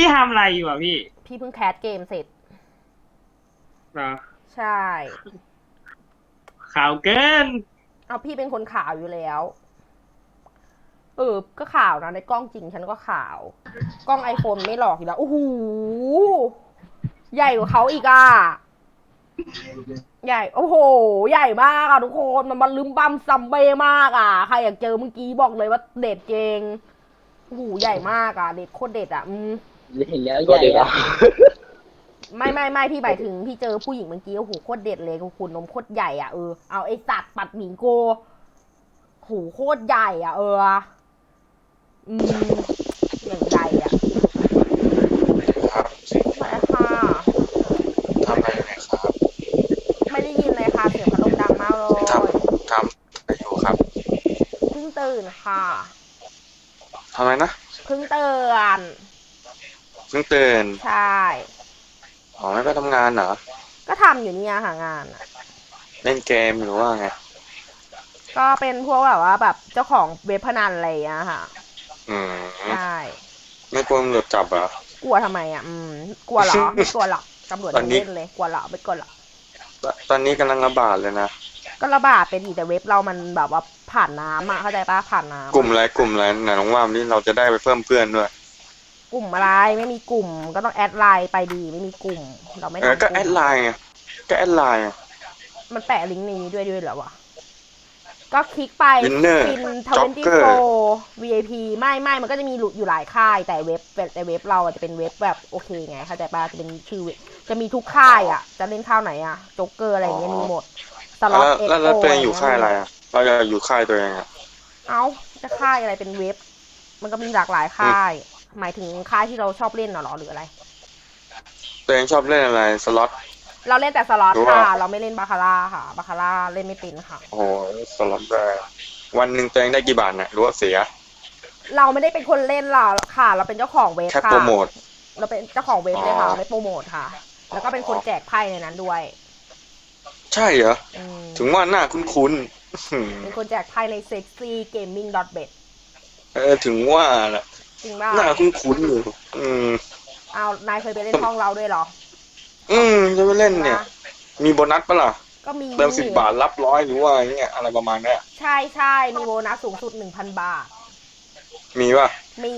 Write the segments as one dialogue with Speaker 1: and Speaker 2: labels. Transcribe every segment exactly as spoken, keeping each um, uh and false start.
Speaker 1: พี่ทำอะไรอยู่อ่ะพี่
Speaker 2: พี่เพิ่งแคสเกมเสร็จ
Speaker 1: เหรอ
Speaker 2: ใช่
Speaker 1: ข่าวเกิน
Speaker 2: เอาพี่เป็นคนข่าวอยู่แล้วเออก็ข่าวนะในกล้องจริงฉันก็ข่าวกล้องไอโฟนไม่หลอกอยู่แล้วโอ้โหใหญ่กว่าเขาอีกอ่ะใหญ่โอ้โหใหญ่มากอ่ะทุกคนมันมันลืมบัมซัมเบ้มากอ่ะใครอยากเจอเมื่อกี้บอกเลยว่าเด็ดเจงโอ้โหใหญ่มากอ่ะเด็ดโคตรเด็ดอ่ะอืม
Speaker 3: เห็นแล้วใหญ่อะ
Speaker 2: ไม่ไม่ไม่พี่หมายถึงพี่เจอผู้หญิงเมื่อกี้โอ้โหโคตรเด็ดเลยคุณนมโคตรใหญ่อ่ะเออเอาไอสัตว์ปัดหมีโกโหโคตรใหญ่อ่ะเอออืมอย่างใหญ่อ่ะ
Speaker 4: ครับ
Speaker 2: มาค่ะ
Speaker 4: ทำอะไรอยู่เนี่ยครับ
Speaker 2: ไม่ได้ยินเลยค่ะเสียงพัดลมดังมากเล
Speaker 4: ท
Speaker 2: ย
Speaker 4: ำทำอะไรอยู่ครับ
Speaker 2: เพิ่งตื่นค่ะ
Speaker 4: ทำอะไรนะ
Speaker 2: เพิ่งตื่น
Speaker 4: เพิ่งตื่น
Speaker 2: ใช่
Speaker 4: อ๋อไม่ไปทำงานเหรอ
Speaker 2: ก็ทำอยู่เนี่ยหางานอ่ะ
Speaker 4: เล่นเกมหรือว่าไง
Speaker 2: ก็เป็นพวกแบบว่าแบบเจ้าของเว็บพนันอะไรอย่างเงี้ยค่ะ
Speaker 4: อื
Speaker 2: ใช่
Speaker 4: มไม่กลัวตำรวจจับเหรอก
Speaker 2: ลัวทำไมอ่ะอืมกลัวเหรอไม่กลัวหรอกตำรวจ
Speaker 4: ตอนนี้
Speaker 2: ยังเล่นเลยกลัวเหรอไม่กลัวหรอก
Speaker 4: ตตอนนี้กำลังระบาดเลยนะ
Speaker 2: ก็ระบาดเป็นอีกแต่เว็บเรามันแบบว่าผ่านน้ำอ่ะเข้าใจปะผ่านน้ำ
Speaker 4: กลุ่ม
Speaker 2: อะ
Speaker 4: อะไรกลุ่มอะไรไหนลองว่ามาดิเราจะได้ไปเพิ่มเพื่อนด้วย
Speaker 2: กลุ่มอะไรไม่มีกลุ่มก็ต้องแอดไลน์ไปดีไม่มีกลุ่มเราไม่
Speaker 4: เออก็
Speaker 2: ทำกลุ่ม
Speaker 4: แอดไลน์ไงก็แอดไลน์ไง
Speaker 2: มันแปะลิงก์ในนี้ด้วยด้วยเหรอวะก็คลิกไป
Speaker 4: วินเนอร์
Speaker 2: ฟินท
Speaker 4: จ็
Speaker 2: เว
Speaker 4: อกเกอร์
Speaker 2: นตี้โฟวีไอพีไม่ไม่มันก็จะมีอยู่หลายค่ายแต่เว็บแต่เว็บเราจะเป็นเว็บแบบโอเคไงเข้าใจปะจะเป็นชื่อจะมีทุกค่ายอ่ะจะเล่นข้าวไหนอ่ะจ็อกเกอร์อะไรอย่างเงี้ยมีหมดสล็อต
Speaker 4: แล้ว
Speaker 2: เอ็กโอ
Speaker 4: แล้วแล้วตัวเองอยู่
Speaker 2: อะไรเงี้ย
Speaker 4: ค่ายอะไร
Speaker 2: มีหมด
Speaker 4: อ่ะเราอยากอยู่ค่ายตัวเองอ่ะ
Speaker 2: เอ้าจะค่ายอะไรเป็นเว็บมันก็มีหลากหลาย
Speaker 4: อืม
Speaker 2: ค่ายหมายถึงค่ายที่เราชอบเล่นน่ะหรอหรืออะไร
Speaker 4: ตัวเองชอบเล่นอะไรสล็อต
Speaker 2: เราเล่นแต่สล็อต
Speaker 4: หรือว่า
Speaker 2: ค่ะเราไม่เล่นบาคาร่าค่ะบาคาร่าเล่นไม่เป็นค่ะ
Speaker 4: โอ้โหสล็อตได้วันหนึ่งตัวเองได้กี่บาทเนี่ยหรือว่าเสีย
Speaker 2: เราไม่ได้เป็นคนเล่นหรอกค่ะเราเป็นเจ้าของเว็บ
Speaker 4: แค่โปร
Speaker 2: ค่ะ
Speaker 4: โมท
Speaker 2: เราเป็นเจ้าของเว็บ
Speaker 4: อ๋อ
Speaker 2: เลยค่ะไม่โปรโมทค่ะแล้วก็เป็นคนแจกไพ่ในนั้นด้วย
Speaker 4: ใช่เหรอ
Speaker 2: อืม
Speaker 4: ถึงว่าหน้าคุ้นๆอืม
Speaker 2: เป็นคนแจกไพ่ใน sexy gaming dot bet
Speaker 4: เออถึงว่าแหละ
Speaker 2: จริงเปล่า
Speaker 4: หน้าคุ้นๆอยู่อืม
Speaker 2: เอานายเคยไปเล่นห้องเราด้วยเหรอ
Speaker 4: อืมจะไปเล่น
Speaker 2: จริงปะ
Speaker 4: เนี่ยมีโบนัสปะล่ะ
Speaker 2: ก็มี
Speaker 4: เติมสิบบาทรับร้อยหรือว่าอย่างเงี้ยอะไรประมาณเนี้ย
Speaker 2: ใช่ใช่มีโบนัสสูงสุดหนึ่งพันบาท
Speaker 4: มีป่ะ
Speaker 2: มี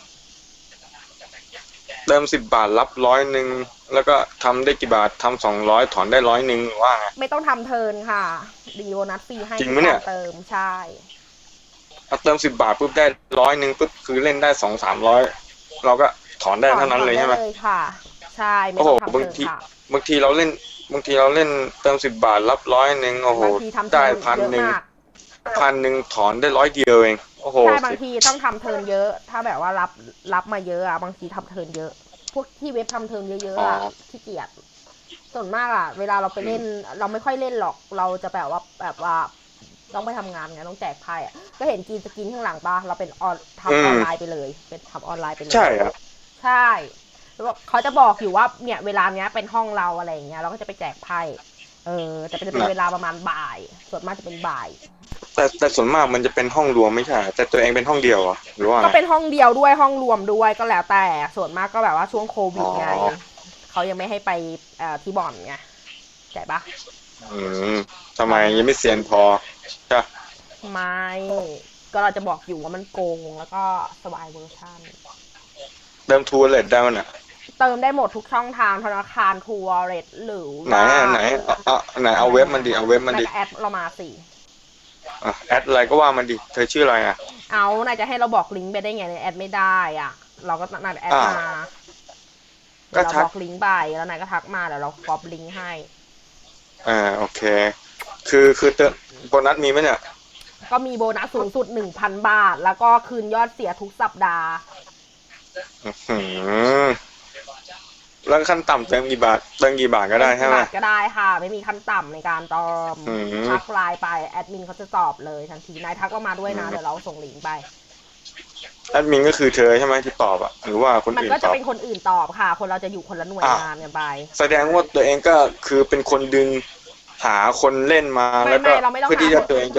Speaker 4: เติมสิบบาทรับร้อยหนึ่งแล้วก็ทำได้กี่บาททำสองร้อยถอนได้ร้อยหนึ่งหรือว่าไง
Speaker 2: ไม่ต้องทำเทิร์นค่ะดีโบนัสฟรีให้ทุก
Speaker 4: จริงไหมเนี่ย
Speaker 2: การเติมใช่
Speaker 4: เอาเติมสิบบาทปุ๊บได้ร้อยหนึ่งปุ๊บคือเล่นได้สองสามร้อยเราก็ถอนได้
Speaker 2: ถอน
Speaker 4: เท่านั้น
Speaker 2: ถอนได้
Speaker 4: เลยใช่ไหม
Speaker 2: เลยค่ะใช่ไม่
Speaker 4: โอ้โห
Speaker 2: ต้องทำ
Speaker 4: บางที
Speaker 2: เทิร์นค่ะ
Speaker 4: บางทีเราเล่นบางทีเราเล่นเติมสิบบาทรับร้อยหนึ่งโอ้โห
Speaker 2: บางทีทำเทิ
Speaker 4: ได้
Speaker 2: ร์น
Speaker 4: พันหนึ่ง
Speaker 2: เยอะมาก
Speaker 4: พันหนึ่งถอนได้ร้อยเดียวเองโอ้โห
Speaker 2: ใช่บางทีต้องทำเทิร์นเยอะถ้าแบบว่ารับรับมาเยอะอะบางทีทำเทิร์นเยอะพวกที่เว็บทำเทิร์นเยอะ
Speaker 4: อ๋อ
Speaker 2: ๆอะขี้เกียจส่วนมากอะเวลาเราไปเล่นเราไม่ค่อยเล่นหรอกเราจะแบบว่าแบบว่าต้องไปทำงานไงต้องแจกไพ่อะก็เห็นกินสกินข้างหลังปะเราเป็นออน
Speaker 4: อื
Speaker 2: ทำออน
Speaker 4: ม
Speaker 2: ไลน์ไปเลยเป็นทำออนไลน์ไปเลย
Speaker 4: ใช่อ่ะ
Speaker 2: ใช่แล้วเขาจะบอกอยู่ว่าเนี่ยเวลาเนี้ยเป็นห้องเราอะไรอย่างเงี้ยเราก็จะไปแจกไพ่เออแต่จะเป็น
Speaker 4: นะ
Speaker 2: เวลาประมาณบ่ายส่วนมากจะเป็นบ่าย
Speaker 4: แต่แต่ส่วนมากมันจะเป็นห้องรวมไม่ใช่แต่ตัวเองเป็นห้องเดียวเหรอหรือว่า
Speaker 2: ก็
Speaker 4: ไง
Speaker 2: เป็นห้องเดียวด้วยห้องรวมด้วยก็แล้วแต่ส่วนมากก็แบบว่าช่วงโควิ
Speaker 4: อ๋อ
Speaker 2: ดไงเขายังไม่ให้ไปเอ่อที่บ่อนไงใช่ปะ
Speaker 4: อืมทำไม
Speaker 2: ตอนเนี้ย
Speaker 4: ยังไม่เซียนพอใช่
Speaker 2: ไม่ก็เราจะบอกอยู่ว่ามันโกงแล้วก็สวายเวอร์ชัน
Speaker 4: เติมทัวร์เลทได้มั้ยน่ะ
Speaker 2: เติมได้หมดทุกช่องทางธนาคารทัวร์เรทหรือ
Speaker 4: ไหน
Speaker 2: ว่า
Speaker 4: อ่ะไหนเอาเอาไหนเอา
Speaker 2: ไหน
Speaker 4: เว็บ
Speaker 2: ไหน
Speaker 4: มันดิเอาเว็บมันดิ
Speaker 2: นายก็แอดเรามาสิ
Speaker 4: อ่ะแอดอะไรก็ว่ามันดิเธอชื่ออะไรอ่ะ
Speaker 2: เอานายจะให้เราบอกลิงก์ไปได้ไงเนี่ยแอดไม่ได้อ่ะเราก็นายแอด
Speaker 4: อ่า
Speaker 2: มาเดี๋
Speaker 4: ก็ทัก
Speaker 2: ยวเราบอกลิงก์ไปแล้วนายก็ทักมาเดี๋ยวเราก๊อปลิงก์ให้
Speaker 4: อ่าโอเคคือคือเติมโบนัสมีไหมเนี่ย
Speaker 2: ก็มีโบนัสสูงสุดหนึ่งพันบาทแล้วก็คืนยอดเสียทุกสัปดาห์
Speaker 4: อื้อหือแล้วขั้นต่ำเติมกี่บาทเติมกี่บาทก็
Speaker 2: เติม
Speaker 4: ได้ใช่ไหม
Speaker 2: กี่บาทก็ได้ค่ะไม่มีขั้นต่ำในการเติม
Speaker 4: อืม
Speaker 2: ทักไลน์ไปแอดมินเขาจะตอบเลยทันทีนายทักเรามาด้วยนะเดี๋ยวเราส่งลิงก์ไป
Speaker 4: แอดมินก็คือเธอใช่ไหมที่ตอบอ่ะหรือว่าคน
Speaker 2: มัน
Speaker 4: อื่นตอบ
Speaker 2: ก็จะเป็นคนอื่นตอบค่ะคนเราจะอยู่คนละหน่วย
Speaker 4: อ่า
Speaker 2: งานกันไป
Speaker 4: แสดงว่าตัวเองก็คือเป็นคนดึงหาคนเล่นมา
Speaker 2: ไม่
Speaker 4: แล้วก็
Speaker 2: ไม่เราไม่ต้อง
Speaker 4: เพื่อ
Speaker 2: หาคน
Speaker 4: ที่จะตัวเองจะได้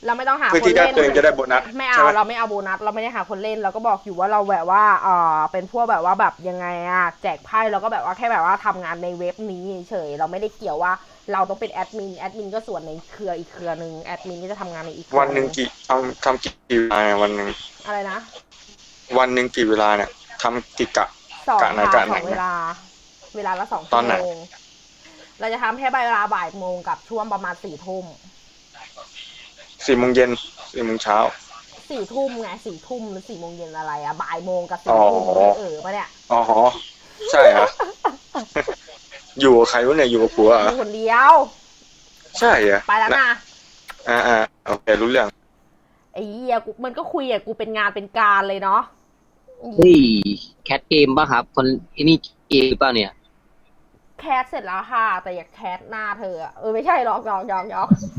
Speaker 2: เราไม่ต้องหา
Speaker 4: เพื่อ
Speaker 2: คน
Speaker 4: ที่จะ
Speaker 2: เล่น
Speaker 4: ตัวเองจะได้โบนัส
Speaker 2: ไม่
Speaker 4: ใช่
Speaker 2: เอา
Speaker 4: ไหม
Speaker 2: เราไม่เอาโบนัสเราไม่ได้หาคนเล่นเราก็บอกอยู่ว่าเราแบบว่าเออเป็นพวกแบบว่าแบบยังไงอะแจกไพ่เราก็แบบว่าแค่แบบว่าทำงานในเว็บนี้เฉยเราไม่ได้เกี่ยวว่าเราต้องเป็นแอดมินแอดมินก็ส่วนในเครืออีกเครือนึงแอดมินก็จะทำงานในอีกเครือ
Speaker 4: วันหนึ่งกี่ทำทำกี่เวลาเนี่ยวันหนึ่ง
Speaker 2: อะไรนะ
Speaker 4: วันหนึ่งกี่เวลาเนี่ยทำกี่กะ
Speaker 2: สอง
Speaker 4: กะไหน
Speaker 2: ค่ะ
Speaker 4: กะ
Speaker 2: ส
Speaker 4: ไหน
Speaker 2: องเวลา เวลาละสอง
Speaker 4: ต
Speaker 2: ชั่
Speaker 4: อ
Speaker 2: วน
Speaker 4: ไหน
Speaker 2: โมงเราจะทำแค่เวลาบ่ายโมงกับช่วงประมาณสี่ทุ่ม
Speaker 4: สี่โมงเย็นสี่โมงเช้า
Speaker 2: สี่ทุ่มไงสี่ทุ่มหรือสี่โมงเย็นอะไรอะบ่ายโมงกับ
Speaker 4: อ๋
Speaker 2: สี่
Speaker 4: อ
Speaker 2: ทุ่มเออปะเนี่ย
Speaker 4: อ๋อใช่ฮะ อยู่กับใครวะเนี่ยอยู่กับผัวเหร
Speaker 2: อ
Speaker 4: อยู่
Speaker 2: คนเดียว
Speaker 4: ใช่เหรอ
Speaker 2: ไปแล้วนะ
Speaker 4: อ่าอ่าโอเครู้เรื่อง
Speaker 2: ไอ้เหี้ยกูมันก็คุยอะกูเป็นงานเป็นการเลยเนาะ
Speaker 3: เฮ้ยแคทเกมป่ะครับ คนไอ้นี่เกมเปล่าเนี่ย
Speaker 2: แคสเสร็จแล้วค่ะ แต่อย่าแคสหน้าเธออะเออไม่ใช่หรอกหยอกหยอกหยอก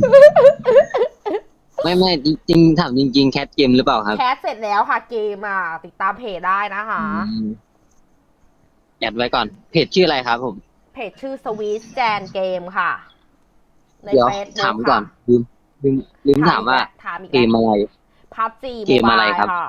Speaker 3: ไม่ไม่จริงๆถามจริงๆแคทเกมหรือเปล่าครับ
Speaker 2: แคสเสร็จแล้วค่ะเกมอ่ะติดตามเพจได้นะคะ
Speaker 3: อืมแอดไว้ก่อน เพจชื่ออะไรครับผม
Speaker 2: เพจชื่อสวีทแจนเกมค่ะ ใน
Speaker 3: เดี๋ยว
Speaker 2: เฟซบุ๊
Speaker 3: ถาก มก่อ
Speaker 2: ค่ะ
Speaker 3: นลืมลืมลืมถามว่า
Speaker 2: ถามอีก
Speaker 3: เก
Speaker 2: แล้ว
Speaker 3: มอะไร
Speaker 2: พับจี
Speaker 3: เกมอะไรครับ
Speaker 2: ค่ะ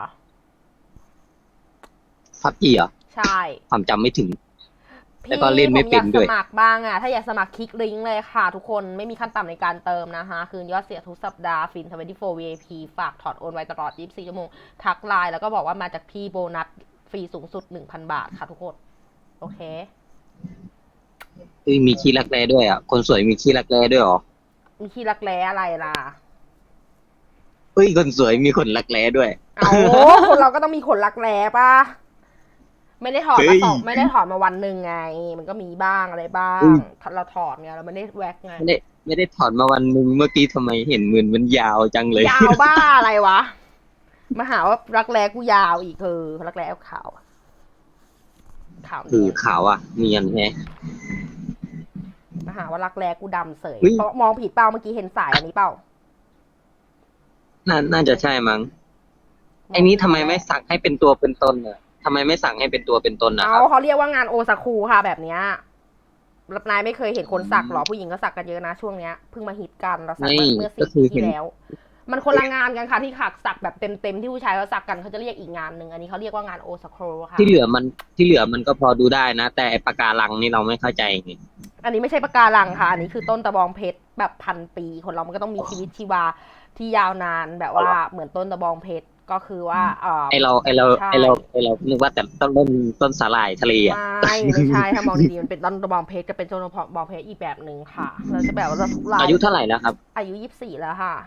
Speaker 3: พับจีเหรอ
Speaker 2: ใช่
Speaker 3: ความจำไม่ถึง
Speaker 2: พี่
Speaker 3: แล้วก็เล่นไม่เป็นด้วย
Speaker 2: ผมอยากสมัครบ้างอ่ะ ถ้าอยากสมัครคลิกลิงก์เลยค่ะ ทุกคนไม่มีขั้นต่ำในการเติมนะคะ คืนยอดเสียทุกสัปดาห์ฟินทเวนตี้โฟร์ วี ไอ พี ฝากถอดโอนไว้ตลอดยี่สิบสี่ชั่วโมง ทักไลน์แล้วก็บอกว่ามาจากพี่โบนัสฟรีสูงสุด หนึ่งพัน บาทค่ะทุกคน โอเค
Speaker 3: เฮ้ยมีขี้รักแร้ด้วยอ่ะ คนสวยมีขี้รักแร้ด้วยเหรอ
Speaker 2: มีที่รักแร้อะไรล่ะ
Speaker 3: เฮ้ยคนสวยมีขนรักแร้ด้วย
Speaker 2: เอาคนเราก็ต้องมีขนรักแร้ป่ะ ไม่ได้ถอด
Speaker 3: เฮ้
Speaker 2: มาย สองไม่ได้ถอดมาวันหนึ่งไง มันก็มีบ้างอะไรบ้าง
Speaker 3: อืม
Speaker 2: เราถอดไงเราไม่ได้แว็กไง
Speaker 3: ไม่ได้ไม่ได้ถอดมาวันหนึงเมื่อกี้ทำไมเห็นมือมันยาวจังเลย
Speaker 2: ยาวบ้าอะไรวะ มาหาว่ารักแร้กูยาวอีกเออรักแร้ขาวขาว
Speaker 3: คือ
Speaker 2: เนี่ย
Speaker 3: ขาวอ่ะเนียนแฮะ
Speaker 2: มาหาว่ารักแร้กูดำเสย
Speaker 3: เฮ้ย
Speaker 2: เพราะมองผิดเปล่าเมื่อกี้เห็นสายอันนี้เปล่า
Speaker 3: น่าน่าจะใช่มั้งไอ้นี้ทำไมไม่สั่งให้เป็นตัวเป็นตนอ่ะทำไมไม่สั่งให้เป็นตัวเป็นตนนะค
Speaker 2: เอา
Speaker 3: รับ
Speaker 2: เขาเรียกว่างานโอซาคุค่ะแบบเนี้ยรับนายไม่เคยเห็นคนสักหรอผู้หญิงก็สักกันเยอะนะช่วงเนี้ยเพิ่งมาฮิตกันเราสัก
Speaker 3: ไม่
Speaker 2: เมื่อ
Speaker 3: ก็
Speaker 2: สี่
Speaker 3: คือ
Speaker 2: ปี
Speaker 3: เห็น
Speaker 2: ที่แล้ว มันคนละงานกันค่ะที่ขักสักแบบเต็มๆที่ผู้ชายเขาสักกันเขาจะเรียกอีกงานหนึ่งอันนี้เขาเรียกว่างานโอซาคุค่ะ
Speaker 3: ที่เหลือมันที่เหลือมันก็พอดูได้นะ แต่ไอ้ปากการังนี่เราไม่เข้าใจไง
Speaker 2: อันนี้ไม่ใช่ปะการังค่ะ อันนี้คือต้นตะบองเพชรแบบพันปี คนเรามันก็ต้องมีชีวิตชีวาที่ยาวนานแบบว่าเหมือนต้นตะบองเพชรก็คือว่าเออ
Speaker 3: ไอเราไอเรา
Speaker 2: ใช่
Speaker 3: ไอเราไอเรานึกว่าแต่ต้นต้นต้นสาหร่ายทะเลอ่ะ
Speaker 2: ไม่ไม่ใช่ถ้ามองดีๆมันเป็นต้นตะบองเพชรจะเป็นต้นตะบองเพชรอีกแบบหนึ่งค่ะเราจะแบบว่าทุกราย
Speaker 3: อายุเท่าไหร่แล้วครับ
Speaker 2: อายุยี่สิบสี่แล้วค่ะ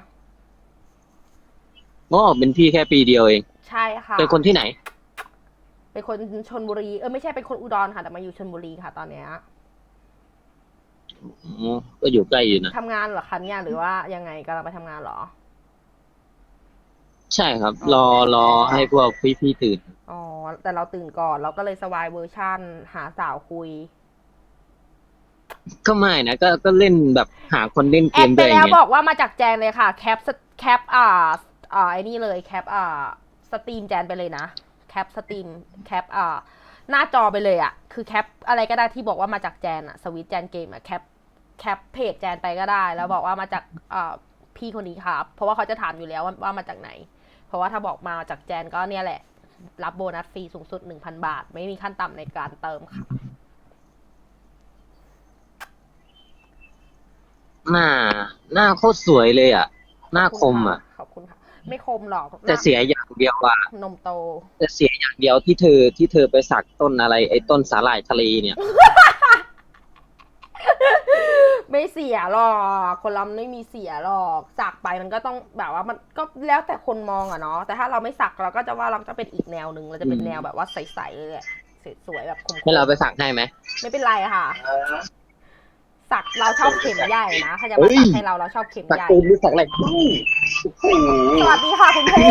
Speaker 3: อ๋อเป็นพี่แค่ปีเดียวเอง
Speaker 2: ใช่ค่ะ
Speaker 3: เป็นคนที่ไหน
Speaker 2: เป็นคนชลบุรีเออไม่ใช่เป็นคนอุดรค่ะแต่มาอยู่ชลบุรีค่ะ ตอนเนี้ย
Speaker 3: อ๋อก็อยู่ใกล้อยู่นะ
Speaker 2: ทำงานเหรอคะเนี่ยหรือว่ายังไงกำลังไปทำงานเหรอ
Speaker 3: ใช่ครับ รอรอให้พวกพี่พี่ๆตื่น
Speaker 2: อ๋อแต่เราตื่นก่อนเราก็เลยสวายเวอร์ชั่นหาสาวคุย
Speaker 3: ก็ไม่นะก็ก็เล่นแบบหาคนเล่นเก
Speaker 2: แอด
Speaker 3: ม
Speaker 2: ไป
Speaker 3: ด้วย
Speaker 2: แล้ว
Speaker 3: ไง
Speaker 2: บอกว่ามาจากแจนเลยค่ะ แคปแคปอ่าอ่าไอ้นี่เลยแคปอ่าสตรีมแจนไปเลยนะแคปสตรีมแคปอ่าหน้าจอไปเลยอะคือแคปอะไรก็ได้ที่บอกว่ามาจากแจนอะสวิตแจนเกมอะแคปแคปเพจแจนไปก็ได้ แล้วบอกว่ามาจากอ่าพี่คนนี้ครับ เพราะว่าเขาจะถามอยู่แล้วว่าว่ามาจากไหน เพราะว่าถ้าบอกมาจากแจนก็เนี่ยแหละ รับโบนัสฟรีสูงสุด หนึ่งพัน บาท ไม่มีขั้นต่ำในการเติมค่ะ
Speaker 3: หน้าหน้าโคตรสวยเลยอ่ะ หน้าคมอ่ะ
Speaker 2: ขอบคุณค่ะ ไม่คมหรอก
Speaker 3: แต่เสียอย่างเดียวอ่ะ
Speaker 2: นมโต
Speaker 3: แต่เสียอย่างเดียวที่เธอที่เธอไปสักต้นอะไรไอ้ต้นสาหร่ายทะเลเนี่ย
Speaker 2: ไม่เสียหรอก คนเราไม่มีเสียหรอก สักไปมันก็ต้องแบบว่ามันก็แล้วแต่คนมองอะเนาะ แต่ถ้าเราไม่สักเราก็จะว่าเราจะเป็นอีกแนวหนึ่งเราจะเป็น
Speaker 3: อืม
Speaker 2: แนวแบบว่าใสๆเลยแหละสวยๆแบบคมๆ
Speaker 3: ให้เราไปสักให้ไหม
Speaker 2: ไม่เป็นไรค่ะ สักเราชอบเข็มใหญ่นะถ้าจะ
Speaker 3: เฮ้
Speaker 2: มาย สักให้เราเราชอบเข็ม
Speaker 3: สัก
Speaker 2: ใหญ่
Speaker 3: ตูนหรือสักอะไรโอ้โห
Speaker 2: สวัสดีค่ะคุณเพ่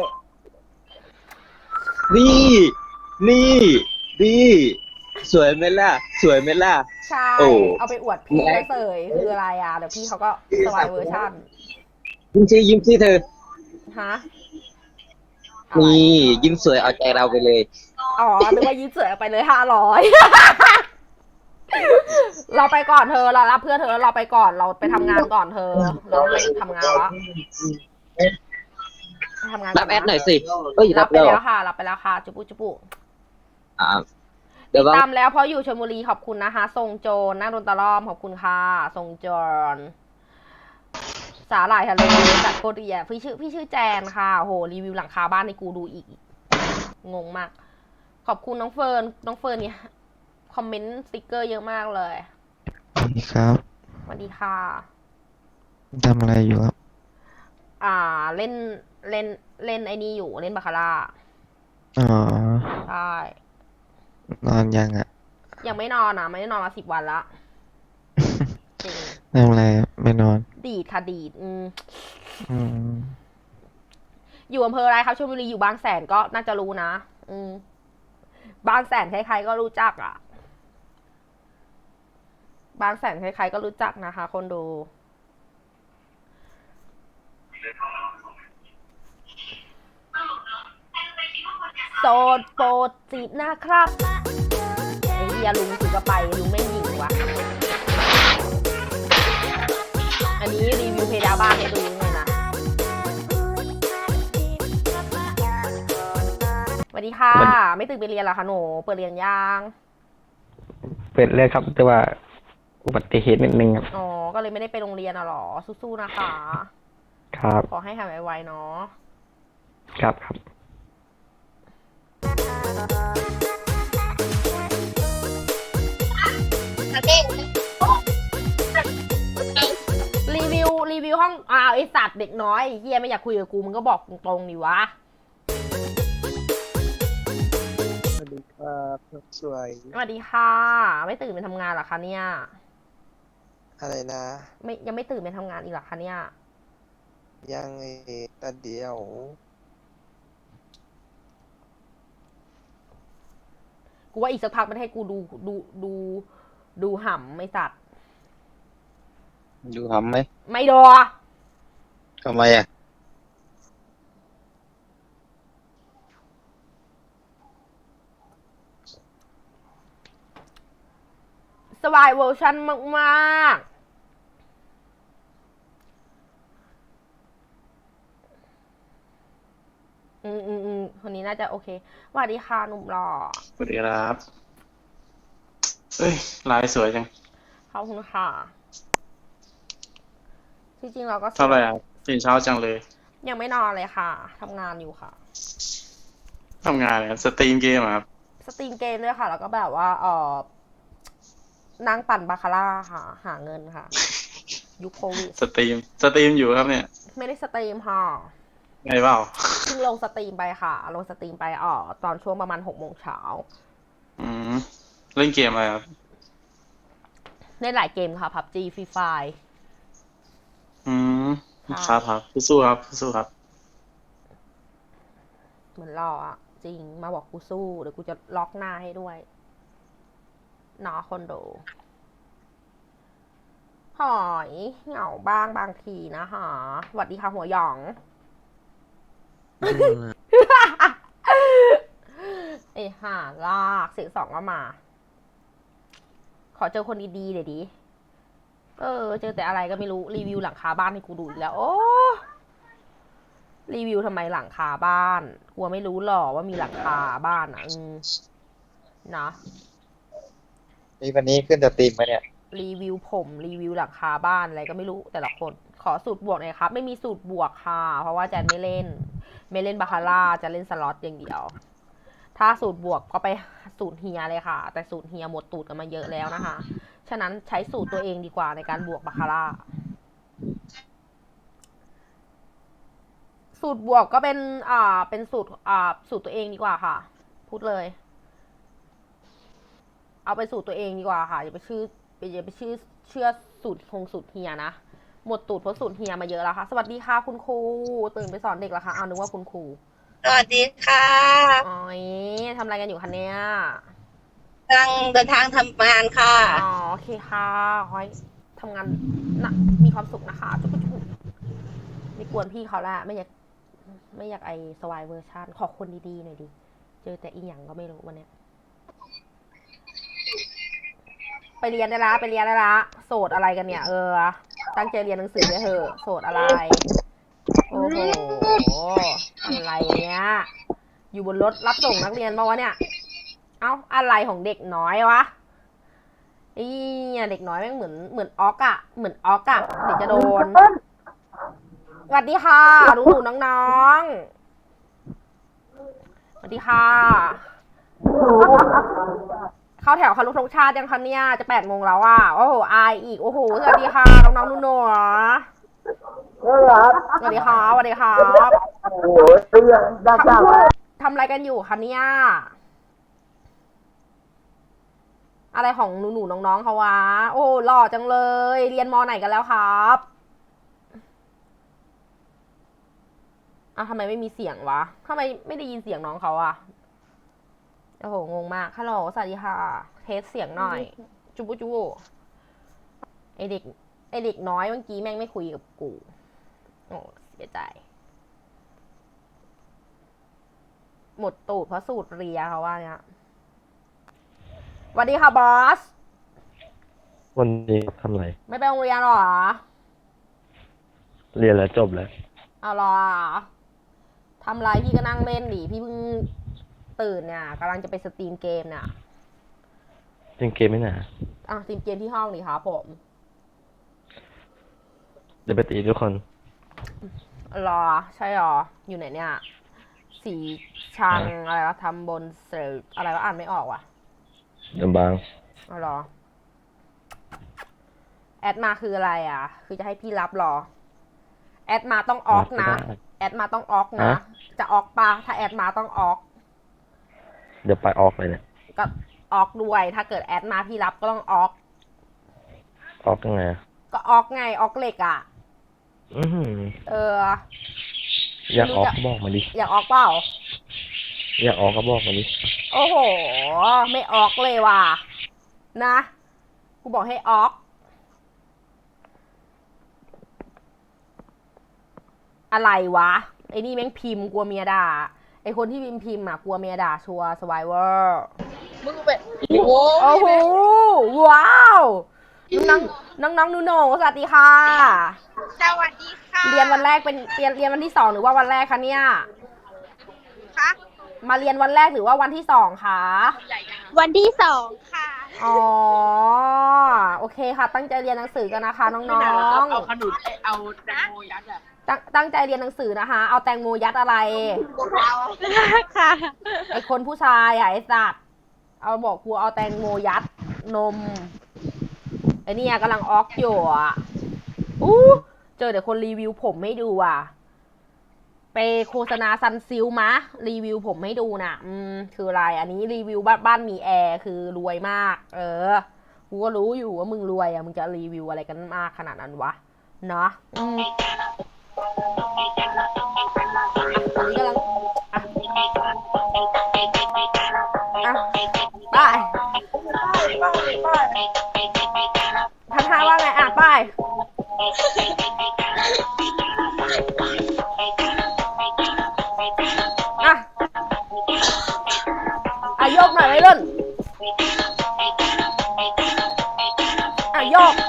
Speaker 3: นี่ นี่ นี่ สวยไหมล่ะ สวยไหมล่ะ
Speaker 2: ใช่
Speaker 3: โอ้
Speaker 2: เอาไปอวดพี่แล้วเสยคืออะไรอ่ะเดี๋ยวพี่เขาก็สวายเวอร์ชัน
Speaker 3: ยิ้มซิยิ้มซิเธอ
Speaker 2: ฮะอะไร
Speaker 3: นี่ยิ้มสวยเอาใจเราไปเลย
Speaker 2: อ๋อนึกว่ายืดเสือไปเลยห้าร้อย เราไปก่อนเธอเรารับเพื่อนเธอเราไปก่อนเราไปทำงานก่อนเธอ เราไปทำงานละไปทำงาน
Speaker 3: รั
Speaker 2: ก่
Speaker 3: บ
Speaker 2: น
Speaker 3: แอ
Speaker 2: นะ
Speaker 3: ดหน่อยสิเฮ้ย
Speaker 2: รั
Speaker 3: รั
Speaker 2: บบ ไป
Speaker 3: แล้ว
Speaker 2: แล้วค่ะ รับไปแล้วค่ะ จุบุจุบุ
Speaker 3: อ่า
Speaker 2: ติ
Speaker 3: เดี๋ยว
Speaker 2: ด
Speaker 3: ว่า
Speaker 2: ตามแล้วเพราะอยู่ชลบุรีขอบคุณนะคะทรงโจรนั่งโดนตะล่อมขอบคุณค่ะทรงโจรสาหร่ายทะเลจากโคเรียพี่ชื่อพี่ชื่อแจนค่ะโหรีวิวหลังคาบ้านในกูดูอีก งงมาก ขอบคุณน้องเฟิร์นน้องเฟิร์นเนี่ยคอมเมนต์สติกเกอร์เยอะมากเลย
Speaker 5: สวัสดีครับ
Speaker 2: สวัสดีค่ะ
Speaker 5: ทำอะไรอยู่ครับ
Speaker 2: อ่าเล่นเล่นเล่นไอ้นี่อยู่เล่นบาคาร่า
Speaker 5: อ๋อ
Speaker 2: ใช่
Speaker 5: นอนยังอ่ะ
Speaker 2: ยังไม่นอนนะไม่ได้นอนมาสิบวันละจริง
Speaker 5: ทำอะไรอะไม่นอน
Speaker 2: ดีดค่ะดีดอืม
Speaker 5: อืม
Speaker 2: อยู่อำเภออะไรครับชลบุรีอยู่บางแสนก็น่าจะรู้นะ อืม บางแสนใครๆก็รู้จักอ่ะ บางแสนใครๆก็รู้จักนะคะ คนดู โสดโปรดจีบนะครับไอ้เฮียลุงถือกระไปลุงไม่หญิงวะ อันนี้รีวิวเพดานบ้านให้ดูเลยนะ สวัสดีค่ะ ไม่ตื่นไปเรียนเหรอคะหนูเปิดเรียนยัง
Speaker 6: เปิดเลยครับ แต่ว่าอุบัติเหตุนิดนึงครับ
Speaker 2: อ๋อ ก็เลยไม่ได้ไปโรงเรียนอ่ะหรอ สู้ๆนะคะ
Speaker 6: ครับ
Speaker 2: ขอให้หายไวๆเนาะ
Speaker 6: ครับครับ
Speaker 2: รีวิวรีวิวห้องอ้าวไอสัตว์เด็กน้อยไอ้เฮียไม่อยากคุยกับกูมึงก็บอกตรงๆดิวะ
Speaker 7: สวัสดีครับสวย
Speaker 2: สวัสดีค่ะ ไม่ตื่นไปทำงานเหรอคะเนี่ย
Speaker 7: อะไรนะ
Speaker 2: ไม่ยังไม่ตื่นไปทำงานอีกเหรอคะเนี่ย
Speaker 7: ยังเอกแต่เดียว
Speaker 2: กูว่าอีกสักพักมันให้กูดูดูดูดูห่ำไม่สัตว์
Speaker 3: ดูทำไหม
Speaker 2: ไม่ดอ
Speaker 3: ทำไมอ่ะ
Speaker 2: สวายเวอร์ชันมากๆอืมอืมอืมคนนี้น่าจะโอเคสวัสดีค่ะหนุ่มหล่อ
Speaker 1: สวัสดีครับเอ้ยลายสวยจัง
Speaker 2: ขอบคุณค่ะ จริงๆเราก็สวย
Speaker 1: เท่าไหร่อ่ะตื่นเช้าจังเลย
Speaker 2: ยังไม่นอนเลยค่ะทำงานอยู่ค่ะ
Speaker 1: ทำงานเนี่ยสตรีมเกมอะครับ
Speaker 2: สตรีมเกมด้วยค่ะ แล้วก็แบบว่าเออนั่งปั่นบาคาร่าค่ะ หาเงินค่ะ ยุคโควิด
Speaker 1: สตรีมสตรีมอยู่ครับเนี่ย
Speaker 2: ไม่ได้สตรีมค่ะ
Speaker 1: ไงเปล่า
Speaker 2: เพิ่งลงสตรีมไปค่ะ ลงสตรีมไปอ๋อตอนช่วงประมาณหกโมงเช้า
Speaker 1: อืมเล่นเกมอะไรครับ
Speaker 2: เล่นหลายเกมค่ะ พับจี ฟรีไฟ
Speaker 1: อืม
Speaker 2: ค่ะ
Speaker 1: ครับครับสู้ๆครับสู้ๆครับ
Speaker 2: เหมือนรออะจริง มาบอกกูสู้ เดี๋ยวกูจะล็อกหน้าให้ด้วยเนาะคนดูหอยเหงาบ้างบางทีนะคะสวัสดีค่ะหัวหยอง ไอ้ห่าลากเสียงสองก็มา ขอเจอคนดีๆเดี๋ยวดิเออ เจอแต่อะไรก็ไม่รู้ รีวิวหลังคาบ้านให้กูดูอีกแล้ว โอ้รีวิวทำไมหลังคาบ้านกลัวไม่รู้หรอว่ามีหลังคาบ้านอ่ะอืมนะ
Speaker 7: นี่วันนี้ขึ้นจะตีมไหมเนี่ย
Speaker 2: รีวิวผมรีวิวหลังคาบ้านอะไรก็ไม่รู้แต่ละคน ขอสูตรบวกหน่อยครับ ไม่มีสูตรบวกค่ะ เพราะว่าแจนไม่เล่น ไม่เล่นบาคาร่าจะเล่นสล็อตอย่างเดียว ถ้าสูตรบวกก็ไปสูตรเฮียเลยค่ะ แต่สูตรเฮียหมดตูดกันมาเยอะแล้วนะคะ ฉะนั้นใช้สูตรตัวเองดีกว่าในการบวกบาคาร่า สูตรบวกก็เป็น อ่า เป็นสูตร อ่า สูตรตัวเองดีกว่าค่ะ พูดเลย เอาไปสูตรตัวเองดีกว่าค่ะอย่าไปชื่ออย่าไปชื่อเชื่อสูตรคงสูตรเฮียนะ หมดตูดเพราะสูตรเฮียมาเยอะแล้วค่ะ สวัสดีค่ะคุณครูตื่นไปสอนเด็กแล้วค่ะเอานึกว่าคุณครู
Speaker 8: สวัสดีค่ะ
Speaker 2: อ๋อยทำอะไรกันอยู่คะเนี่ย
Speaker 8: กำลังเดินทางทำงานค่ะ
Speaker 2: อ๋อโอเคค่ะขอให้ทำงานนะมีความสุขนะคะจุ๊บจุ๊บไม่กวนพี่เขาละไม่อยากไม่อยากไอสวายเวอร์ชันขอคนดีๆหน่อยดิเจอแต่อีหยังก็ไม่รู้วันเนี้ยไปเรียนได้ละไปเรียนได้ละโสดอะไรกันเนี่ย เออตั้งใจเรียนหนังสือเลยเถอะโสดอะไร โอ้โห อะไรเนี่ย อยู่บนรถรับส่งนักเรียนมาวะเนี่ย เอ้า อะไรของเด็กน้อยวะไอ้เนี่ยเด็กน้อยแม่งเหมือนเหมือนออกอะเหมือนออกอะเดี๋ยวจะโดน สวัสดีค่ะหนูๆน้องๆ สวัสดีค่ะ เข้าแถวเคารพธงชาติยังคะเนี่ยจะแปดโมงแล้วอ่ะ โอ้โห อายอีก โอ้โห สวัสดีค่ะ น้องๆนุ่นๆสวัสดีครับสวัสดีครับโอ้โหได้จ้าทำอะไรกันอยู่คะเนี่ย อะไรของหนูๆน้องๆเขาวะ โอ้หล่อจังเลย เรียนม.ไหนกันแล้วครับอ้าวทำไมไม่มีเสียงวะทำไมไม่ได้ยินเสียงน้องเขาอะโอ้โห งงมาก ฮัลโหล สวัสดีค่ะ เทสเสียงหน่อย จุบุจุบุไอเด็ก ไอเด็กน้อยเมื่อกี้แม่งไม่คุยกับกู โอ้เสียใจ หมดตูดเพราะสูตรเรียเขาว่าเนี่ยสวัสดีค่ะบอส
Speaker 6: วันนี้ทำอะไร
Speaker 2: ไม่ไปโรงเรียนหรอ
Speaker 6: เรียนแล้วจบแล้ว
Speaker 2: เอาหรอทำไรพี่ก็นั่งเล่นดิ พี่เพิ่งตื่นเนี่ยกำลังจะไปสตรีมเกมเนี่ย
Speaker 6: เล่นเกมไม่หนา
Speaker 2: อ่ะสตรีมเกมที่ห้องดิครับผม
Speaker 6: เดี๋ยวไปตีทุกคน
Speaker 2: รอ ใช่หรอ อยู่ไหนเนี่ย สีชังอะไรวะทำบนเสิร์ฟอะไรวะอ่านไม่ออกว่ะ
Speaker 6: เดี๋ยวบาง
Speaker 2: เอาหรอ แอดมาคืออะไรอ่ะ คือจะให้พี่รับหรอ แอดมาต้องออกนะ แอดมาต้องออกนะ จะออกปะถ้าแอดมาต้องออก
Speaker 6: เดี๋ยวไปออกเลยเนี่ย
Speaker 2: ก็ออกด้วย ถ้าเกิดแอดมาพี่รับก็ต้องออก
Speaker 6: ออกยังไง
Speaker 2: ก็ออกไง ออกเหล็กอ่ะ
Speaker 6: อือหือ
Speaker 2: เออ
Speaker 6: อยากออกก็บอกมาดิ
Speaker 2: อยากออกเปล่า
Speaker 6: อยากออกก็บอกมาดิ
Speaker 2: โอ้โห ไม่ออกเลยว่ะ นะ กูบอกให้ออก อะไรวะ ไอ้นี่แม่งพิมพ์กลัวเมียด่า ไอ้คนที่พิมพ์พิมพ์อ่ะกลัวเมียด่าชัวร์สไวเวอร์มึงแบบโอ้โห ว้าว น้องน้องน้องนูโนสวัสดีค่ะ
Speaker 8: สวัสดีค่ะ
Speaker 2: เรียนวันแรกเป็นเรียนเรียนวันที่สองหรือว่าวันแรกคะเนี่ย
Speaker 8: คะ
Speaker 2: มาเรียนวันแรกหรือว่าวันที่สองคะ
Speaker 8: วันที่สองค่ะ
Speaker 2: อ๋อ โอเคค่ะ ตั้งใจเรียนหนังสือกันนะคะน้องๆ
Speaker 9: เอาขนุนเอาแตงโมยัดอะ
Speaker 2: ตั้งตั้งใจเรียนหนังสือนะคะ เอาแตงโมยัดอะไร
Speaker 8: ค่ะ
Speaker 2: ไอคนผู้ชายอะไอสัตว์ เอาบอกครูเอาแตงโมยัดนม ไอเนี่ยกำลังออกอยู่อ่ะอู้เจอเดี๋ยวคนรีวิวผมให้ดูอ่ะ ไปโฆษณาซันซิลมะ รีวิวผมให้ดูน่ะ อืม คืออะไร อันนี้รีวิวบ้านบ้านมีแอร์คือรวยมาก เออ กูก็รู้อยู่ว่ามึงรวยอ่ะ มึงจะรีวิวอะไรกันมากขนาดนั้นวะ เนาะอืมอันนี้กำลังอ่ะอ่ะไปทักทายว่าไงอ่ะไปอ่ะอ่ะโยกหน่อยไว้รุ่นอ่ะโยก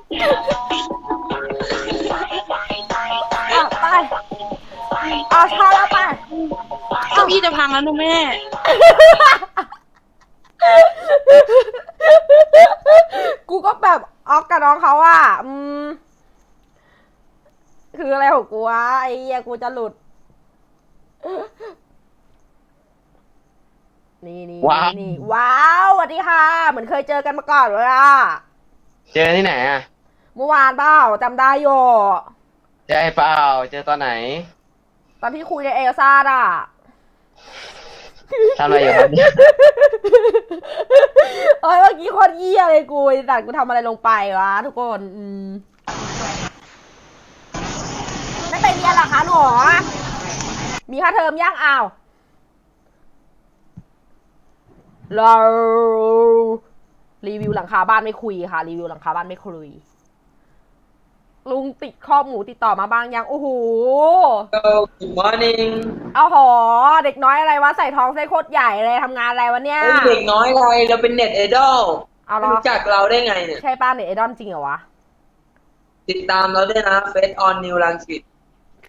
Speaker 2: อ่ะไปอ่ะชาแล้วไป
Speaker 8: เก้าอี้จะพังแล้วนะแม่
Speaker 2: กูก็แบบออกกับน้องเขาอ่ะ อืม คืออะไรของกูวะไอ้เหี้ยกูจะหลุด นี่นี่
Speaker 3: ว้าว
Speaker 2: นี่ว้าวสวัสดีค่ะ เหมือนเคยเจอกันมาก่อนเลยอ่ะ
Speaker 3: เจอที่ไหนอ่ะ
Speaker 2: เมื่อวานเปล่าจำได้อยู่
Speaker 3: เจอไอ้เปล่าเจอตอนไหน
Speaker 2: ตอนที่คุยในเอลซ่าอ่ะ
Speaker 3: ทำอะไรอยู่ครับเนี่ย
Speaker 2: เอ้ยเมื่อกี้คนเยี่ยเลยกูไอ้สัตว์กูทำอะไรลงไปวะทุกคน อืมไม่ไปเรียนเหรอคะหนูมีค่าเทอมย่างอ้าวเรารีวิวหลังคาบ้านไม่คุยค่ะ รีวิวหลังคาบ้านไม่คุย ลุงติดข้อหมูติดต่อมาบ้างยัง โอ้โห
Speaker 3: Good morning
Speaker 2: เอาหอเด็กน้อยอะไรวะใส่ท้องไส้โคตรใหญ่เลยทำงานอะไรวะเนี่ย
Speaker 10: เด็กน้อยอะไรเราเป็นเน็ตไอดอล
Speaker 2: เอาเหรอ
Speaker 10: รู้จักเราได้ไงเนี่ย
Speaker 2: ใช่ป้าเน็ตไอดอลจริงเหรอวะ
Speaker 10: ติดตามเราด้วยนะเฟซออนนิวลังสิต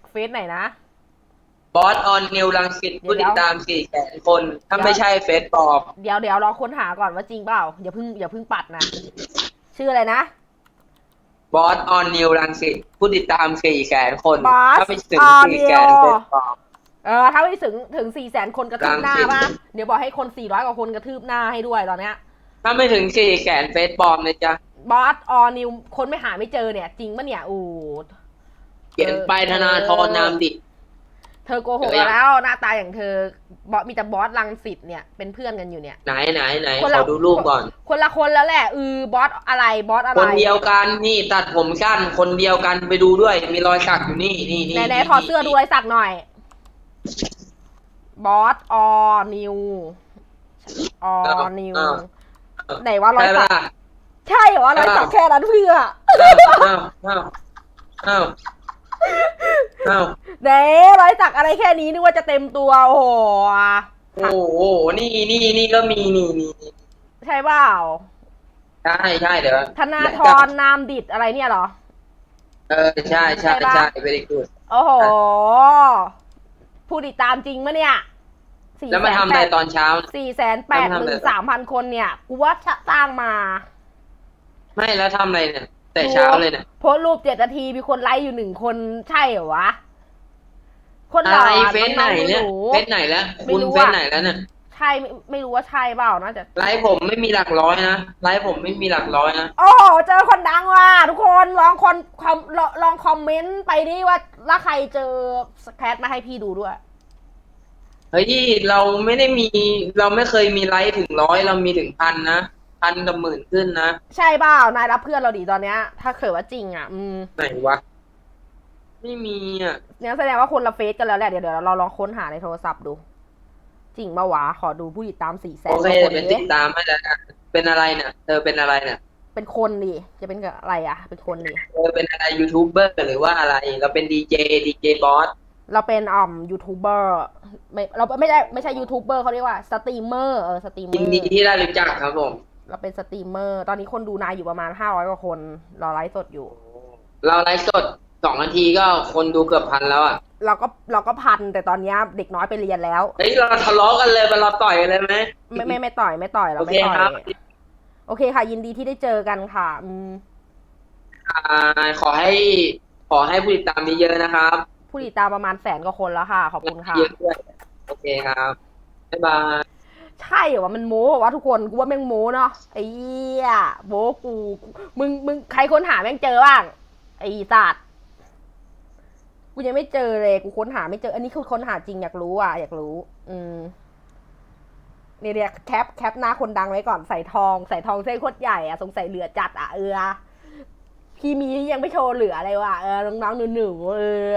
Speaker 2: เฟซไหนนะ
Speaker 10: บอสออนนิวรังสิต
Speaker 2: เดี๋ยว
Speaker 10: ผู้ติดตามสี่แสนคนถ้าไม่ใช่เฟซปลอม
Speaker 2: เดี๋ยวเดี๋ยวรอค้นหาก่อนว่าจริงเปล่าอย่าเพิ่งอย่าเพิ่งปัดนะชื่ออะไรนะ
Speaker 10: บอสออนนิวรังสิตผู้ติดตามสี่แสนคน
Speaker 2: บอส
Speaker 10: ถ้าไม่ถึง
Speaker 2: ออน
Speaker 10: สี่
Speaker 2: นิว
Speaker 10: แสนเฟซปลอม
Speaker 2: เออถ้าไม่ถึงถึงสี่แสนคนกระทืบหน้า
Speaker 10: รังสิต
Speaker 2: ป่ะเดี๋ยวบอกให้คนสี่ร้อยกว่าคนกระทืบหน้าให้ด้วยตอนเนี้ย
Speaker 10: ถ้าไม่ถึงสี่แสนเฟซปลอมนะจ๊ะ
Speaker 2: บอสออนิวคนไม่หาไม่เจอเนี่ย จริงปะเนี่ยอู้
Speaker 10: เขียนไปธนาธรนามดิ
Speaker 2: เธอโกหก
Speaker 10: เจอยัง
Speaker 2: แล้วหน้าตาอย่างเธอบอสมีแต่บอสรังสิตเนี่ยเป็นเพื่อนกันอยู่เนี่ย
Speaker 10: ไหนไหนไหน
Speaker 2: คน
Speaker 10: ข
Speaker 2: ละ
Speaker 10: อดูรูปก่อน
Speaker 2: คนละคนแล้วแหละอือบอสอะไรบอสอะไร
Speaker 10: คนเดียวกันนี่ตัดผมสั้นคนเดียวกันไปดูด้วย มีรอยสักอยู่นี่นี่นี่
Speaker 2: ไหนไหนถอดเสื้อดูอะไรสักหน่อยบอสออนิวออนิว
Speaker 10: อ้าว
Speaker 2: ไหนว่ารอย
Speaker 10: ใช่
Speaker 2: สั
Speaker 10: ปะ
Speaker 2: กใช่เหรอรอยสักแค่นั้นเพื่อ
Speaker 10: อ้าวอ้าวอ้าวอ้าว
Speaker 2: เด้รอยสักอะไรแค่นี้นึกว่าจะเต็มตัวโอ้โห
Speaker 10: โอ้โหนี่นี่นี่ก็มีนี่นี่นี่
Speaker 2: ใช่เปล่า
Speaker 10: ใช่ใช่เดี๋ยว
Speaker 2: ธนาธรนามดิษอะไรเนี่ยเหรอ
Speaker 10: เออใช่ใช่
Speaker 2: ใช่ปะ
Speaker 10: ใช่ very good
Speaker 2: โอ้โห ผู้ติดตามจริงมะเนี่ย
Speaker 10: แล้วมาทำอะไรตอนเช้า
Speaker 2: สี่แสนแปดหมื่นสามพันคนเนี่ย กูว่าสร้างมา
Speaker 10: ไม่แล้วทำอะไรเนี่ย แต่เช้าเลยเนี่ย
Speaker 2: โพสต์รูปเจ็ดนาทีมีคนไลค์อยู่หนึ่งคนใช่เหรอวะ คน
Speaker 10: อะ
Speaker 2: หล่อ
Speaker 10: ไรเฟซไหนเนี่ย
Speaker 2: องๆห
Speaker 10: เฟซไหนแล้ว
Speaker 2: ไม่
Speaker 10: คุณ
Speaker 2: รู้
Speaker 10: เฟซ
Speaker 2: อะ
Speaker 10: ไหนแล้วเนี่ย
Speaker 2: ใช่ไม่ไม่รู้ว่าใช่เปล่าน่าจะ
Speaker 10: ไลฟ์ผมไม่มีหลักร้อยนะไลฟ์ผมไม่มีหลักร้อยนะ
Speaker 2: โอ้โหเจอคนดังว่ะทุกคนลองคนคอมลองลองคอมเมนต์ไปดิว่าถ้าใครเจอสแครตมาให้พี่ดูด้วย
Speaker 10: เฮ้ยเราไม่ได้มี เราไม่เคยมีไลฟ์ถึงร้อยเรามีถึงพันนะพันกับหมื่นขึ้นนะ
Speaker 2: ใช่เปล่านายรับเพื่อนเราดีตอนเนี้ย ถ้าเกิดว่าจริงอ่ะ อืม
Speaker 10: ไหนวะไม่มีอ่ะ
Speaker 2: เนี่ยแสดงว่าคนละเฟซกันแล้วแหละเดี๋ยวเดี๋ยวเราลองค้นหาในโทรศัพท์ดู จริงปะวะขอดูผู้ติดตามสี่แสน
Speaker 10: โอเค
Speaker 2: คน
Speaker 10: เป็น
Speaker 2: ดิ
Speaker 10: ติดตามให้แล้วกันเป็นอะไรเนี่ยเธอเป็นอะไรเนี่ย
Speaker 2: เป็นคนดิจะเป็นกับอะไรอ่ะ เป็นคนดิ
Speaker 10: เธอเป็นอะไรยูทูบเบอร์หรือว่าอะไร เราเป็นดีเจดีเจบอส
Speaker 2: เราเป็นอ่อมยูทูบเบอร์ไม่เราไม่ได้ไม่ใช่ยูทูบเบอร์เขาเรียกว่าสตรีมเมอร์เออสตรีมเมอ
Speaker 10: ยิน
Speaker 2: ร์
Speaker 10: ดีที่ได้รู้จักครับผม
Speaker 2: เราเป็นสตรีมเมอร์ตอนนี้คนดูนายอยู่ประมาณห้าร้อยกว่าคนรอไลฟ์สดอยู่
Speaker 10: เราไลฟ์สดสองนาทีก็คนดูเกือบพันแล้วอ่ะ
Speaker 2: เราก็เราก็พันแต่ตอนเนี้ยเด็กน้อยไปเรียนแล้ว
Speaker 10: เฮ้ยเราทะเลาะกันเลยไปเราต่อยกันเลยไหม
Speaker 2: ไม่ไม่ไม่ต่อยไม่ต่อยเราไม่
Speaker 10: โอเค
Speaker 2: ต่อย
Speaker 10: ครับ
Speaker 2: โอเคค่ะ ยินดีที่ได้เจอกันค่ะอืม
Speaker 10: อ่าขอให้ขอให้ผู้ติดตามเยอะๆนะครับ
Speaker 2: ผู้ติดตามประมาณแสนกว่าคนแล้วค่ะ ขอบคุณค่ะ
Speaker 10: เยอะด้วยโอเคครับบ๊ายบาย
Speaker 2: ใช่เหรอวะมันโม้เหรอวะทุกคนกูว่าแม่งโม้เนาะไอ้เหี้ยโม้กูมึงมึงใครค้นหาแม่งเจอบ้างไอ้สัตว์กูยังไม่เจอเลยกูค้นหาไม่เจอ อันนี้คือค้นหาจริงอยากรู้อ่ะอยากรู้ อืมเนี่ยเนี่ยแคปแคปหน้าคนดังไว้ก่อนใส่ทองใส่ทองเส้นโคตรใหญ่อ่ะสงสัยเหลือจัดอ่ะเออพี่มีที่ยังไม่โชว์เหลืออะไรวะเออน้องๆหนูๆเออ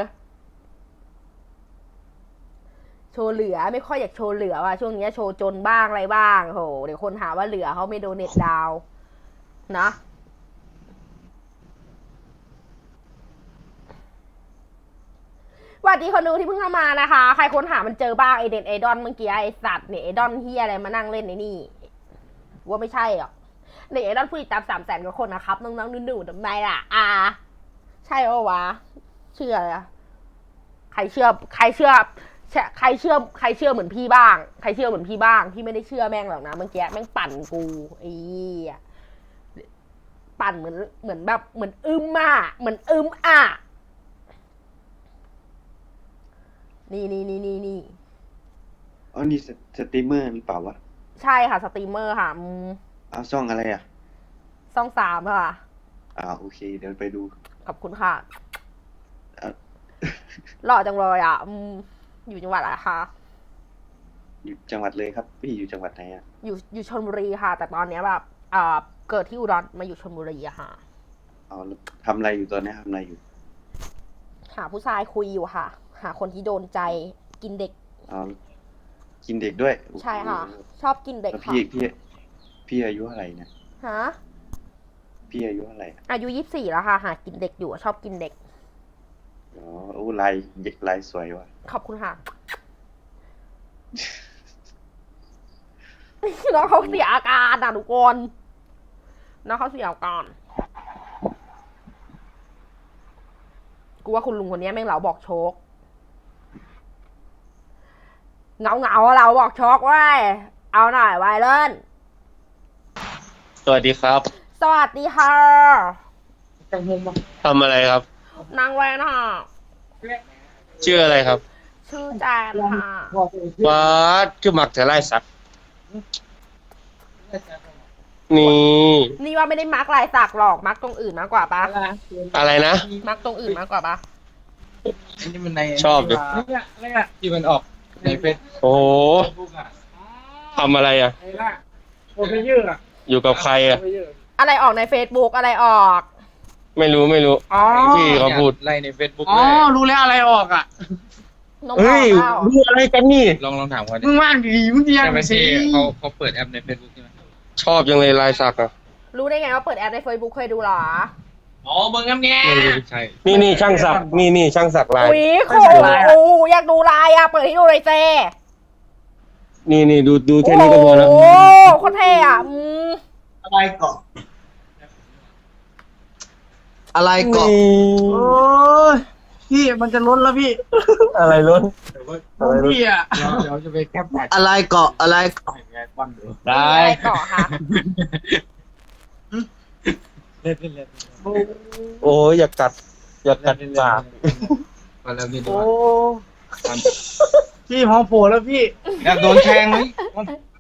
Speaker 2: โชว์เหลือไม่ค่อยอยากโชว์เหลือว่ะช่วงนี้โชว์จนบ้างอะไรบ้างโหเดี๋ยวคนหาว่าเหลือเขาไม่โดเน็ตดาวนะสวัสดีคนดูที่เพิ่งเข้ามานะคะ ใครค้นหามันเจอบ้างไอเด็ดไอดอนเมื่อกี้ไอสัตว์เนี่ยไอดอนเฮียอะไรมานั่งเล่นในนี่ว่าไม่ใช่หรอกเด็กไอดอนผู้ติดตามสามแสนกว่าคนนะครับน้องๆหนูๆทำไมล่ะอ่าใช่ปะวะเชื่ออะใครเชื่อใครเชื่อใครเชื่อใครเชื่อเหมือนพี่บ้างใครเชื่อเหมือนพี่บ้างพี่ไม่ได้เชื่อแม่งหรอกนะเมื่อกี้แม่งปั่นกูไอ้ปั่นเหมือนเหมือนแบบเหมือนอึมอ่ะเหมือนอึมอ่ะนี่นี่นี่นี่นี่
Speaker 1: อ๋อนี่สสตรีมเมอร์หรือเปล่าวะ
Speaker 2: ใช่ค่ะสตรีมเมอร์ค่ะอืม
Speaker 1: เอาช่องอะไรอ่ะ
Speaker 2: ช่องสามค่ะ
Speaker 1: อ่าโอเค เดี๋ยวไปดู
Speaker 2: ขอบคุณค่ะ
Speaker 1: อ่ะ
Speaker 2: หล่อจังเลยอ่ะอืมอยู่จังหวัดอะไรคะ
Speaker 1: อยู่จังหวัดเลยครับ พี่อยู่จังหวัดไหนอ่ะ
Speaker 2: อยู่อยู่ชลบุรีค่ะ แต่ตอนเนี้ยแบบอ่าเกิดที่อุดรมาอยู่ชลบุรีอะค่ะ
Speaker 1: เอาแล้วทำอะไรอยู่ตอนนี้ทำอะไรอยู่
Speaker 2: หาผู้ชายคุยอยู่ค่ะ หาคนที่โดนใจกินเด็ก
Speaker 1: เอากินเด็กด้วย
Speaker 2: ใช่ค่ะ
Speaker 1: โอ้โห
Speaker 2: ชอบกินเด็ก
Speaker 1: แล้ว
Speaker 2: ค่ะ
Speaker 1: พี่พี่พี่อายุเท่าไหร่เนี่ย
Speaker 2: ฮะ
Speaker 1: พี่อายุเท่าไหร่
Speaker 2: อายุยี่สิบสี่แล้วค่ะ หากินเด็กอยู่ชอบกินเด็ก
Speaker 1: อ๋อโอ้ลายเด็กลายสวยว่ะ
Speaker 2: ขอบคุณค่ะ น้องเขาเสียอาการอ่ะทุกคนน้องเขาเสียอาการกูว่าคุณลุงคนนี้แม่งเหลาบอกโชคเงาเงาๆเราบอกช็อกไว้ยเอาหน่อยไวเล่น
Speaker 11: สวัสดีครับ
Speaker 2: สวัสดีค่ะ
Speaker 11: ทำอะไรครับ
Speaker 2: นางแวนค่ะ
Speaker 11: ชื่ออะไรครับ
Speaker 2: ชื่อแจนค่ะ
Speaker 11: วัดคือมักจะไล่สัก นี่
Speaker 2: นี่ว่าไม่ได้มาร์กลายสักหรอกมาร์กตรงอื่นมากกว่าปะ
Speaker 11: อะไรนะ
Speaker 2: มาร์กตรงอื่นมากกว่าปะ
Speaker 1: อันนี้มันใน
Speaker 11: ชอบดิ
Speaker 1: ที่มันออกในเฟซ
Speaker 11: โอ้โห
Speaker 1: บุ๊กอ่ะ
Speaker 11: ทำอะไรอ่ะ
Speaker 1: ไอ้ล่ะโอเคเยอะอ่ะ
Speaker 11: อยู่กับใครอ่ะ
Speaker 2: อะไรออกใน Facebook อะไรออก
Speaker 11: ไม่รู้ไม่รู้
Speaker 1: อ๋อ
Speaker 11: ที่เขาพูด
Speaker 1: ไล่ในเฟซบุ๊กอ๋อรู้แล้วอะไรออกอ่ะ
Speaker 2: นมอ
Speaker 11: เฮ้
Speaker 2: อย กเปล่า
Speaker 11: รู้อะไรกันนี่
Speaker 1: ลองลองถามเขาดิมึงว่างดีมึงเดียวไปสิเขาเขาเปิดแอปในเฟซบุ๊กใช่ไหม
Speaker 11: ชอบยังเลยลายสักอ่ะ
Speaker 2: รู้ได้ไงว่าเปิดแอปใน Facebook เคยดูเหรอ
Speaker 1: อ๋อเบิ่งน้ำแง่ไม่รู้ใช่
Speaker 11: นี่นี่ช่างสัก นี่นี่ช่างสักลาย
Speaker 2: อุ๊ยโคโอ้อยากดูลายอ่ะ เปิดให้ดูเลยเจ
Speaker 11: นี่นี่ดูดูแค่นี้ก็พอแล้ว
Speaker 2: โอ้โคตรเท่อะอืม
Speaker 1: อะไรเกาะ
Speaker 7: อะไรเกาะ
Speaker 1: โอ้ยพี่มันจะล้นแล้วพี่
Speaker 11: อะไรล้น
Speaker 1: พี่อ่ะเดี๋ยวจะไปแคปแท็ก
Speaker 7: อะไรเกาะอะไรเกาะ
Speaker 1: ไงปั้นดู
Speaker 2: มีอะไรเกาะคะ
Speaker 1: เล่นเล่นเล่น
Speaker 11: โอ้ยอยากกัด อยากกัดปาก
Speaker 1: มาแล้วพี่
Speaker 9: โอ้
Speaker 1: พี่พอโผล่แล้วพี่อยากโดนแทงไหม